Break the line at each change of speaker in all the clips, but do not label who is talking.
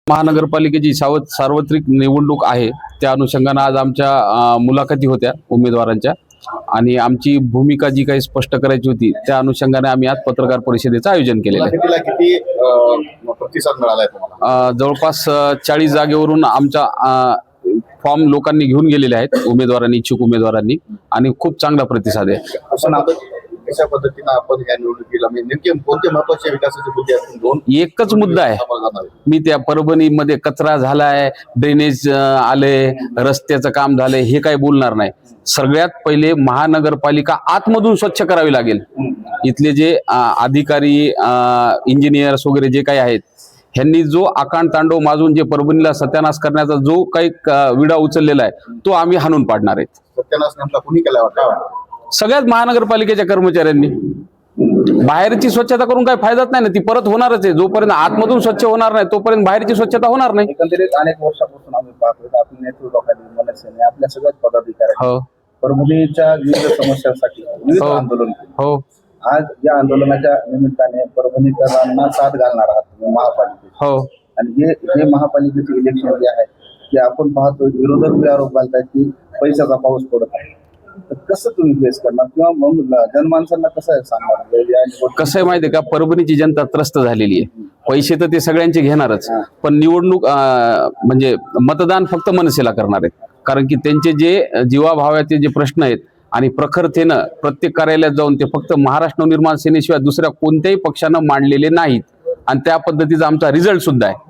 महानगरपालिकेची सार्वत्रिक निवडणूक आहे, त्या अनुषंगाने आज आमच्या मुलाखती होत्या उमेदवारांच्या आणि आमची भूमिका जी काही स्पष्ट करायची होती त्या अनुषंगाने आम्ही आज पत्रकार परिषदेचं आयोजन केलेलं आहे.
किती प्रतिसाद मिळालाय तुम्हाला?
जवळपास 40 जागेवरून आमचा फॉर्म लोकांनी घेऊन गेलेले आहेत, उमेदवारांनी, इच्छुक उमेदवारांनी, आणि खूप चांगला प्रतिसाद आहे.
कशा पद्धतीने आपण या निवडणुकीला नेमके कोणते महत्त्वाचे विकासाचे मुद्दे असतील? दोन
एकच मुद्दा आहे. मी त्या परभणीमध्ये कचरा झालाय, ड्रेनेज आले, रस्त्याचं काम झालंय हे काही बोलणार नाही. सगळ्यात पहिले महानगरपालिका आतमधून स्वच्छ करावी लागेल. इथले जे अधिकारी, इंजिनियर्स वगैरे जे काही आहेत, ह्यांनी जो आकांड तांडव माजून जे परभणीला सत्यानाश करण्याचा जो काही विडा उचललेला आहे तो आम्ही हाणून पाडणार आहेत.
सत्यानाश नेमका कुणी केला होता?
सगळ्याच महानगरपालिकेच्या कर्मचाऱ्यांनी. बाहेरची स्वच्छता करून काही फायदाच नाही ना, ती परत होणारच आहे. जोपर्यंत आतमधून स्वच्छ होणार नाही तोपर्यंत बाहेरची स्वच्छता होणार नाही.
एकंदरीत अनेक वर्षापासून आम्ही पाहतोय आपल्या नेतृत्वाखाली मनसेने आपल्या सगळ्याच पदाधिकारी परभणीच्या विविध समस्यांसाठी विविध आंदोलन केले.
हो,
आज या आंदोलनाच्या निमित्ताने परभणीकरांना साथ घालणार आहात महापालिकेत.
हो, आणि
हे महापालिकेचे इलेक्शन जे आहे ते आपण पाहतो, विरोधक आरोप घालतात की पैशाचा पाऊस पडत आहे. तर कसं तुम्ही फेस करणार किंवा मग जनमानसांना कसं सांगणार?
कसं आहे माहिती आहे का, परभणीची जनता त्रस्त झालेली आहे. पैसे तर ते सगळ्यांचे घेणारच, पण निवडणूक म्हणजे मतदान फक्त मनसेला करणार आहेत. कारण की त्यांचे जे जीवाभावाचे जे प्रश्न आहेत आणि प्रखरतेनं प्रत्येक कार्यालयात जाऊन ते फक्त महाराष्ट्र नवनिर्माण सेनेशिवाय दुसऱ्या कोणत्याही पक्षानं मांडलेले नाहीत, आणि त्या पद्धतीचा आमचा रिझल्ट सुद्धा आहे.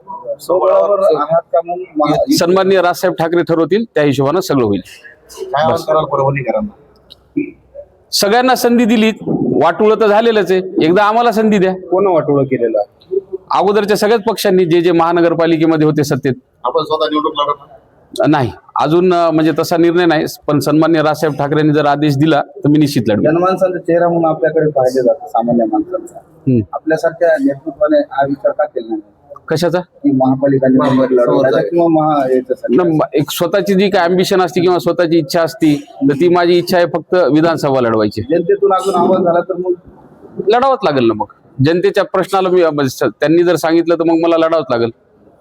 सन्माननीय राजसाहेब ठाकरे ठरवतील त्या हिशोबानं सगळं होईल. सगळ्यांना संधी दिली, वाटोळं तर झालेलंच आहे, एकदा आम्हाला संधी द्या.
कोण वाटोळं केलेलं?
अगोदरच्या सगळ्याच पक्षांनी जे महानगरपालिकेमध्ये होते सत्तेत.
आपण स्वतः निवडणूक लढवणार
नाही अजून, म्हणजे तसा निर्णय नाही, पण सन्माननीय राजसाहेब ठाकरेंनी जर आदेश दिला तर मी निश्चित लढवेन.
जनमानसांचा चेहरा म्हणून आपल्याकडे पाहिले जातं, सामान्य माणसांचा. आपल्यासारख्या नेतृत्वाने हा विचार का केला नाही?
कशाचा?
की महापालिका किंवा
एक स्वतःची जी काय अम्बिशन असते किंवा स्वतःची इच्छा असती तर ती माझी इच्छा आहे फक्त विधानसभा लढवायची.
जनतेतून अजून आवाज झाला तर मग
लढावंच लागेल ना. मग जनतेच्या प्रश्नाला मी त्यांनी जर सांगितलं तर मग मला लढावंच लागेल.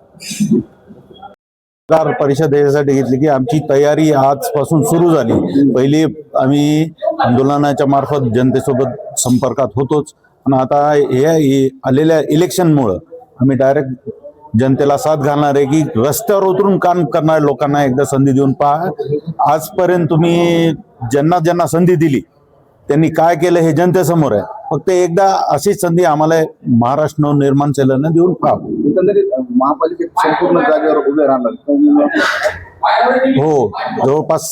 पत्रकार परिषद यासाठी घेतली की आमची तयारी आजपासून सुरू झाली. पहिली आम्ही आंदोलनाच्या मार्फत जनतेसोबत संपर्कात होतोच, आणि आता हे आलेल्या इलेक्शनमुळं आम्ही डायरेक्ट जनतेला साथ घालणार आहे की रस्त्यावर उतरून काम करणाऱ्या लोकांना एकदा संधी देऊन पहा. आजपर्यंत तुम्ही ज्यांना संधी दिली त्यांनी काय केलं हे जनतेसमोर आहे. फक्त एकदा अशीच संधी आम्हाला महाराष्ट्र नवनिर्माण सेनेनं देऊन पहा.
एकंदरीत महापालिकेत संपूर्ण जागेवर उभे राहणार.
हो, जवळपास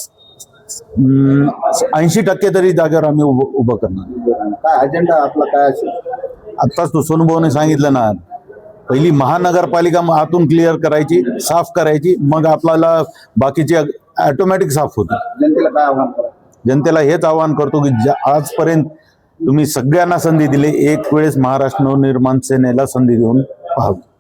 80% तरी जागेवर आम्ही उभं करणार.
काय अजेंडा आपला काय असेल?
आत्ताच तो सोनूभाऊने सांगितलं ना, पहिली महानगरपालिका आतून क्लिअर करायची, साफ करायची, मग आपल्याला बाकीचे ऑटोमॅटिक साफ होते.
जनतेला काय आव्हान करा?
जनतेला हेच आवाहन करतो की आजपर्यंत तुम्ही सगळ्यांना संधी दिली, एक वेळेस महाराष्ट्र नवनिर्माण सेनेला संधी देऊन पाहावी.